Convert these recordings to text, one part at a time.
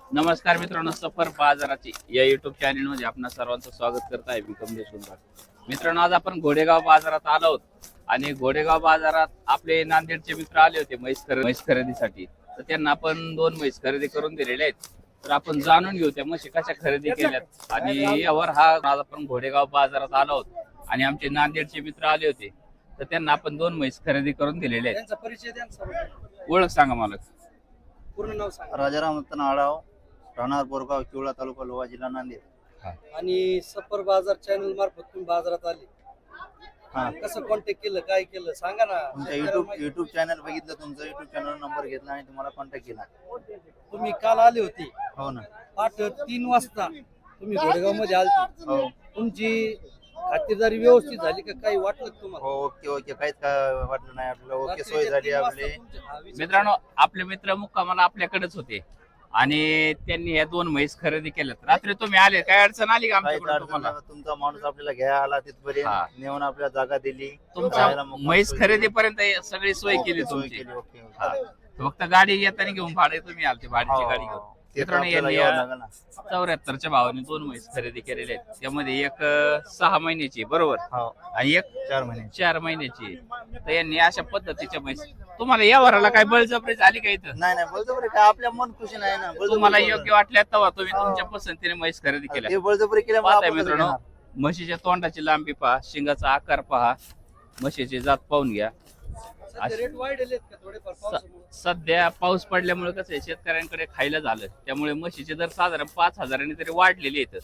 नमस्कार मित्रांनो, सफर बाजाराची या युट्यूब चॅनल मध्ये आपणा सर्वांचं स्वागत करत आहे. मी कमलेश सुंदर. मित्रांनो, आज आपण घोडेगाव बाजारात आलो आहोत आणि घोडेगाव बाजारात आपले नांदेडचे मित्र आले होते म्हैस खरेदीसाठी. तर त्यांना आपण 2 म्हैस खरेदी करून दिलेले आहेत. तर आपण जाणून घेऊ त्या म्हशी कशा खरेदी केल्यात आणि यावर आज आपण घोडेगाव बाजारात आलो आहोत आणि आमचे नांदेडचे मित्र आले होते. तर त्यांना आपण 2 म्हैस खरेदी करून दिलेले आहेत. त्यांचा परिचय द्या ना. ओळख सांगा मला. पूर्ण नाव सांगा. राजाराम रतन आढाव, राहणार बोरगाव, किवळा तालुका, लोहा जिल्हा, नांदेड. आणि सफर बाजार चॅनल मार्फत तुम्ही बाजारात आले. हा, कसं कॉन्टॅक्ट केलं, काय केलं सांगा ना. तुमचा युट्यूब चॅनल बघितलं, तुमचा युट्यूब चॅनल नंबर घेतला आणि तुम्हाला कॉन्टॅक्ट केला. तुम्ही काल आले होते हो ना. पाठ 3 वाजता तुम्ही घोडेगाव मध्ये आलते. हो तुमची खातिरदारी व्यवस्थित झाली का, काही वाटलं का तुम्हाला? हो, ओके काहीच काय वाटलं नाही आपल्याला. ओके, सोय झाली आपली. मित्रांनो, आपले मित्र मुक्कामाला आपल्याकडेच होते आणि त्यांनी या 2 म्हैस खरेदी केल्यात. रात्री तुम्ही आले, काय अडचण आली का काहीच आमच्याकडून अडचण तुम्हाला? नाही. तुमचा माणूस आपल्याला घ्यायला आला, हा. तिथपर्यंत नेऊन आपल्याला जागा दिली. तुमच्या राहायला मुक्काम म्हैस सोय खरेदी पर्यंत सगळी सोय केली सोय तुमची. केली. ओके. हा. फक्त गाडी येताना घेऊन भाडे तुम्ही आलते, भाडीची गाडी घेऊन. ते तर मित्रांनो, आपल्याला यांनी यावं लागेल ना. 74च्या भावाने 2 म्हैस खरेदी केलेले आहेत. त्यामध्ये एक 6 महिन्याची बरोबर हो, आणि एक 4 महिने. 4 महिन्याची. तर यांनी अशा पद्धतीच्या म्हैस. तुम्हाला या वराला काय बळजबरी झाली का इथं? नाही बळजबरी काय, आपल्या मन खुशी नाही ना. बळजबरी तुम्हाला करू योग्य वाटल्या तेव्हा तुम्ही हो. तुमच्या पसंतीने म्हैस खरेदी नका. केल्या. ते बळजबरी केल्यामुळे पाहताय आपण कसं मित्रांनो, घेणार? म्हशीच्या तोंडाची लांबी पहा, शिंगाचा आकार पहा, म्हशीची जात पाहून घ्या. सध्या रेट वाढलेले आहेत का थोडेफार पावसामुळे? सध्या पाऊस पडल्यामुळे कसं आहे, शेतकऱ्यांकडे खायला झालं, त्यामुळे म्हशीचे दर साधारण 5,000 तरी वाढलेले आहेत.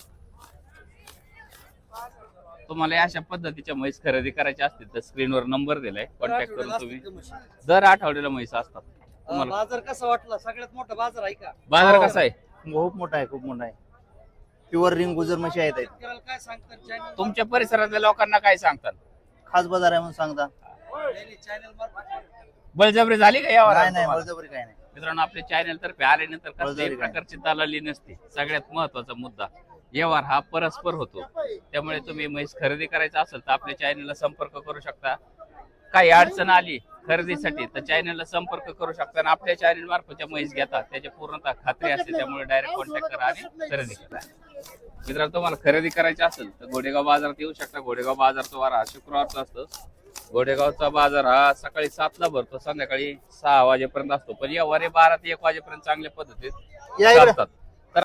तुम्हाला अशा पद्धतीच्या म्हैस खरेदी करायच्या असतील तर स्क्रीनवर नंबर दिलाय, कॉन्टॅक्ट करून तुम्ही. असतील का म्हशी? दर आठवड्याला म्हैस असतात. तुम्हाला बाजार कसा वाटला? सगळ्यात मोठा बाजार आहे का? बाजार हो. कसा आहे? खूप मोठा आहे. प्युअर रिंग गुजर म्हशी आहेत. शेतकऱ्याला काय सांगतात चॅनल? तुमच्या परिसरातल्या लोकांना काय सांगतात? खास बाजार आहे म्हणून सांगता. चॅनल मार्फत बळजबरी झाली का यावर? नाही बळजबरी काय नाही. मित्रांनो, आपल्या चॅनल तर्फे आल्यानंतर कसल्याही बळजबरी काय? प्रकारची दलाली नसते. सगळ्यात महत्वाचा मुद्दा, व्यवहार हा परस्पर होतो. त्यामुळे तुम्ही म्हैस खरेदी करायचा असेल तर आपल्या चॅनलला संपर्क करू शकता. काही अडचण आली खरेदीसाठी तर चॅनलला संपर्क करू शकता आणि आपल्या चॅनल मार्फतच्या म्हैस घेता त्याची पूर्णतः खात्री असते. त्यामुळे डायरेक्ट कॉन्टॅक्ट करा आणि खरेदी करा. मित्रांनो, तुम्हाला खरेदी करायची असेल तर घोडेगाव बाजारात येऊ शकता. घोडेगाव बाजारचा वार हा शुक्रवारचा असतो. घोडेगावचा बाजार हा सकाळी 7ला भरतो, संध्याकाळी 6 वाजेपर्यंत असतो. पण या वारे 12 ते 1 वाजेपर्यंत चांगल्या पद्धतीत या इकडे. चालतात.